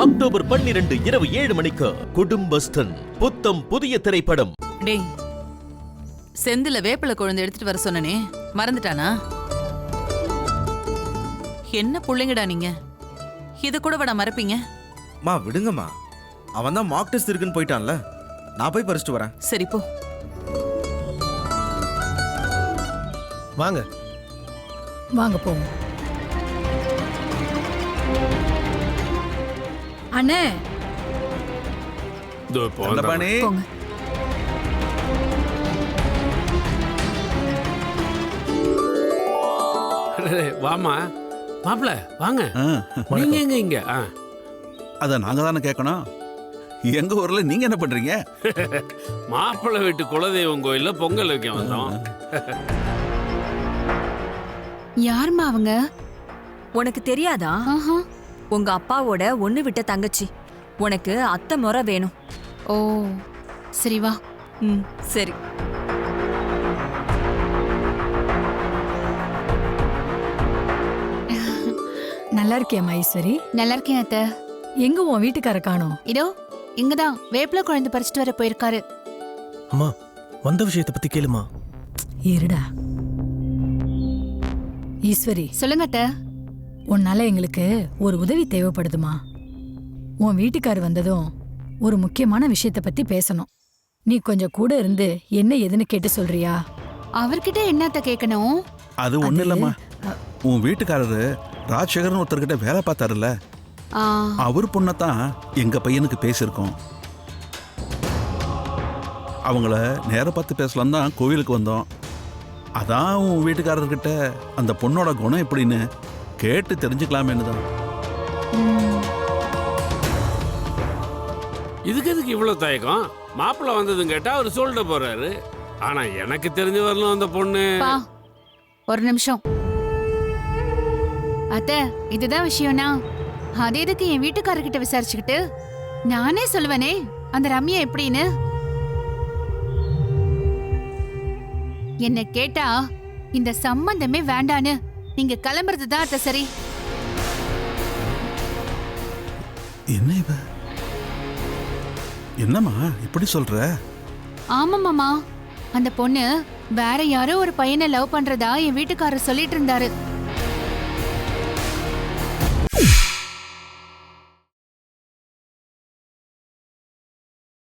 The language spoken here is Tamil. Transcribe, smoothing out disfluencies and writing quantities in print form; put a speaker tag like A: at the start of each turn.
A: அக்டோபர் 12 இரவு 7 மணிக்கு குடும்பஸ்தன் புத்தம் புதிய திரைப்படம்.
B: டேய், செந்தில வேப்பில குழந்தை எடுத்துட்டு வர சொன்னனே, மறந்துட்டானா? என்ன புள்ளைங்கடா நீங்க, இது கூட வட மறப்பீங்க?
C: மா விடுங்கம்மா, அவன் தான் மார்க் டெஸ்ட் இருக்குன்னு போயிட்டான்ல, நான் போய் பறிச்சுட்டு வரேன்.
B: சரி போ.
D: வாங்க
E: வாங்க போவோம். அண்ணே
C: தண்டபாணி,
E: போங்க.
F: வாமா மாப்பிள வாங்க. நீங்க எங்க இங்க?
G: அத நாங்க தானே கேட்கணும். எங்க ஊர்ல நீங்க என்ன பண்றீங்க?
F: மாப்பிள வீட்டு குலதெய்வம் கோயில்ல பொங்கல் வைக்க வந்தோம்.
H: யாருமா அவங்க?
I: உனக்கு தெரியாதா? உங்க அப்பாவோட ஒண்ணு விட்ட தங்கச்சி. உனக்கு அத்தை முறை வேணும்.
H: ஓ சரி வா.
I: சரி.
E: நல்லா இருக்கியா மைஸ்வரி?
H: நல்லா இருக்கேன் அத்தை.
E: எங்க உன் வீட்டுக்கார காணோம்?
H: இதோ இங்கதான் வேப்பில குழந்தை பறிச்சுட்டு வர போயிருக்காரு.
D: அம்மா, வந்த விஷயத்தை பத்தி கேளுமா.
E: இருடா. ஈஸ்வரி,
H: சொல்லுங்க அத்தை.
E: உன்னால எங்களுக்கு ஒரு உதவி தேவைப்படுதுமா. உன் வீட்டுக்கார் வந்ததும் ஒரு முக்கியமான விஷயத்த பத்தி பேசணும். நீ கொஞ்சம் கூட இருந்து என்ன ஏதுன்னு கேட்டு சொல்றியா?
H: அவர்கிட்ட என்னத்த கேட்கணும்?
G: அது ஒண்ணு இல்லம்மா, உன் வீட்டுக்காரரு ராஜசேகரன் ஒருத்தர்கிட்ட வேலை பார்த்தாருல்ல, அவர் பொண்ணத்தான் எங்க பையனுக்கு பேசியிருக்கோம். அவங்கள நேர பார்த்து பேசலாம் தான் கோவிலுக்கு வந்தோம். அதான் உன் வீட்டுக்காரர்கிட்ட அந்த பொண்ணோட குணம் எப்படின்னு கேட்டு தெரிஞ்சுக்கலாமேன்னு தான்.
F: இதுக்கு எதுக்கு இவ்வளவு தயக்கம்? மாப்பிள வந்ததும் கேட்டா அவர் சொல்லிட்டு போறாரு. ஆனா எனக்கு தெரிஞ்ச வரலும் அந்த பொண்ணு.
H: ஒரு நிமிஷம் அத்தை, இதுதான் விஷயம்னா அதே எதுக்கு என் வீட்டுக்காரர்கிட்ட விசாரிச்சுக்கிட்டு? நானே சொல்லுவேனே அந்த ரம்யா எப்படின்னு. என்ன கேட்டா இந்த சம்பந்தமே வேண்டான்னு நீங்க கிளம்புறது தான் அத்தை சரி.
G: என்ன இவ? என்னம்மா இப்படி சொல்ற?
H: ஆமா மாமா, அந்த பொண்ணு வேற யாரோ ஒரு பையனை லவ் பண்றதா என் வீட்டுக்காரர் சொல்லிட்டு இருந்தாரு.